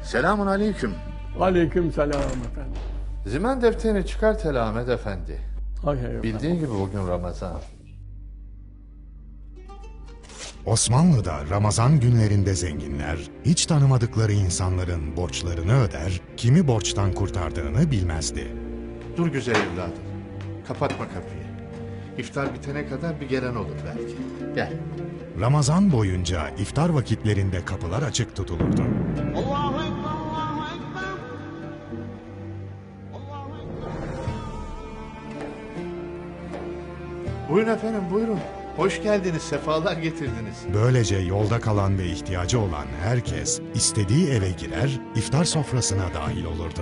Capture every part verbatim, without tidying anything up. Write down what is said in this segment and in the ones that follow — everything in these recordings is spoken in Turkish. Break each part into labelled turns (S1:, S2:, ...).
S1: Selamun aleyküm.
S2: Aleyküm selam efendim.
S1: Zimen defterini çıkart hele Ahmet Efendi.
S2: Hay hay efendim.
S1: Bildiğin gibi bugün Ramazan.
S3: Osmanlı'da Ramazan günlerinde zenginler, hiç tanımadıkları insanların borçlarını öder, kimi borçtan kurtardığını bilmezdi.
S1: Dur güzel evladım. Kapatma kapıyı. İftar bitene kadar bir gelen olur belki. Gel.
S3: Ramazan boyunca iftar vakitlerinde kapılar açık tutulurdu.
S4: Allahu Ekber, Allahu Ekber. Allahu Ekber.
S1: Buyurun efendim buyurun. Hoş geldiniz, sefalar getirdiniz.
S3: Böylece yolda kalan ve ihtiyacı olan herkes istediği eve girer, iftar sofrasına dahil olurdu.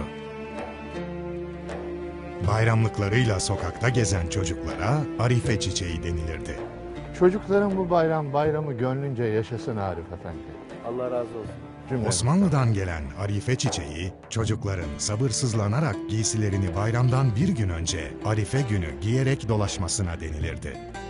S3: Bayramlıklarıyla sokakta gezen çocuklara Arife çiçeği denilirdi.
S1: Çocukların bu bayram bayramı gönlünce yaşasın Arif Efendi.
S5: Allah razı olsun.
S1: Cümle.
S3: Osmanlı'dan gelen Arife çiçeği, çocukların sabırsızlanarak giysilerini bayramdan bir gün önce Arife günü giyerek dolaşmasına denilirdi.